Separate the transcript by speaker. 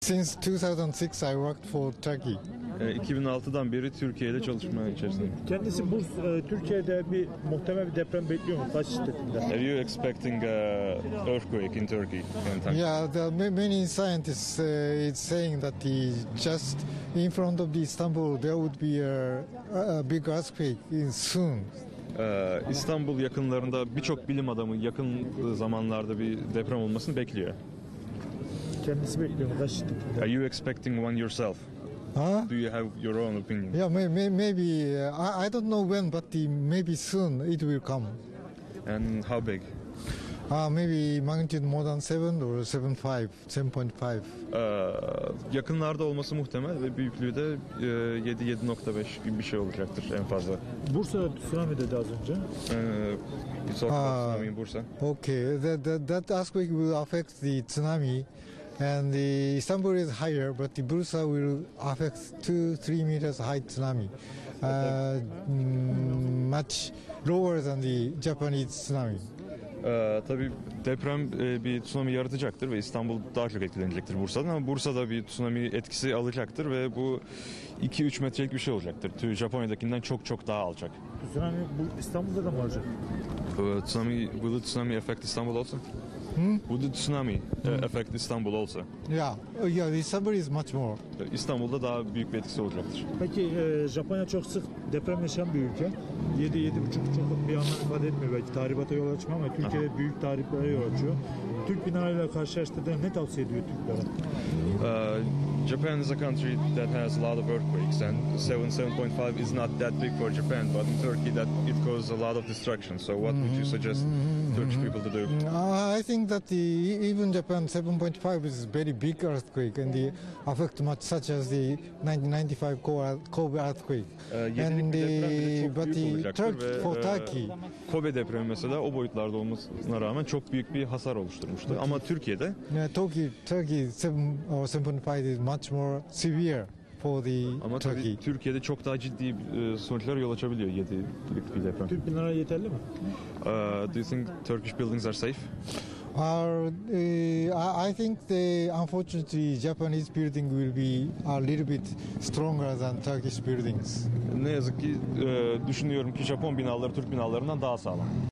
Speaker 1: Since 2006, I worked for Turkey.
Speaker 2: 2006'dan beri Türkiye'de çalışma içerisinde.
Speaker 3: Kendisi Türkiye'de muhtemel bir deprem bekliyor mu? Kaç şiddetinde?
Speaker 2: Are you expecting a earthquake in Turkey?
Speaker 1: Yeah, many scientists is saying that just in front of the Istanbul there would be a big earthquake soon.
Speaker 2: İstanbul yakınlarında birçok bilim adamı yakın zamanlarda bir deprem olmasını bekliyor.
Speaker 3: Kendisi bekliyor mu? Kaç şiddetinde?
Speaker 2: Are you expecting one yourself?
Speaker 1: Huh?
Speaker 2: Do you have your own opinion?
Speaker 1: Yeah, maybe I don't know when, but maybe soon it will come.
Speaker 2: And how big?
Speaker 1: Maybe magnitude more than 7 or 7.5.
Speaker 2: Yakınlarda olması muhtemel ve büyüklüğü de 7.5 gibi bir şey olacaktır en fazla.
Speaker 3: Bursa'da tsunami dedi az önce.
Speaker 2: You talk about tsunami in Bursa.
Speaker 1: Okay, that earthquake will affect the tsunami, and the Istanbul is higher, but the Bursa will affect 2-3 meters high tsunami, much lower than the Japanese tsunami.
Speaker 2: Tabii deprem bir tsunami yaratacaktır ve İstanbul daha çok etkilenecektir Bursa'dan, ama Bursa'da bir tsunami etkisi alacaktır ve bu 2-3 metrelik bir şey olacaktır. Japonya'dakinden çok çok daha alçak.
Speaker 3: Tsunami bu İstanbul'da da mı olacak?
Speaker 2: Will the tsunami affect Istanbul also? Would the tsunami affect Istanbul also?
Speaker 1: Yeah, Istanbul is much more.
Speaker 2: İstanbul'da daha büyük bir etkisi olacaktır.
Speaker 3: Peki Japonya çok sık deprem yaşayan bir ülke. 7-7,5 çok bir anlam ifade etmiyor. Belki tahribata yol açmıyor ama Türkiye'de büyük tahriplere yol açıyor. Türk binalarıyla karşılaştırdığında ne tavsiye ediyor Türklere?
Speaker 2: Japan is a country that has a lot of earthquakes, and 7.5 is not that big for Japan, but in Turkey that it causes a lot of destruction. So what would you suggest Turkish people to do?
Speaker 1: I think that even Japan 7.5 is very big earthquake, and the affect much such as the 1995 Kobe earthquake. Turkey.
Speaker 2: Kobe depremi mesela o boyutlarda olmasına rağmen çok büyük bir hasar oluşturmuştu. Ama Türkiye'de
Speaker 1: Turkey 7.5 is much more severe for the
Speaker 2: ama
Speaker 1: Turkey.
Speaker 2: Türkiye'de çok daha ciddi sonuçlara yol açabiliyor 7'lik bir deprem.
Speaker 3: Türk binaları yeterli mi?
Speaker 2: Do you think Turkish buildings are safe?
Speaker 1: I think unfortunately Japanese building will be a little bit stronger than Turkish buildings.
Speaker 2: Ne yazık ki düşünüyorum ki Japon binaları Türk binalarından daha sağlam.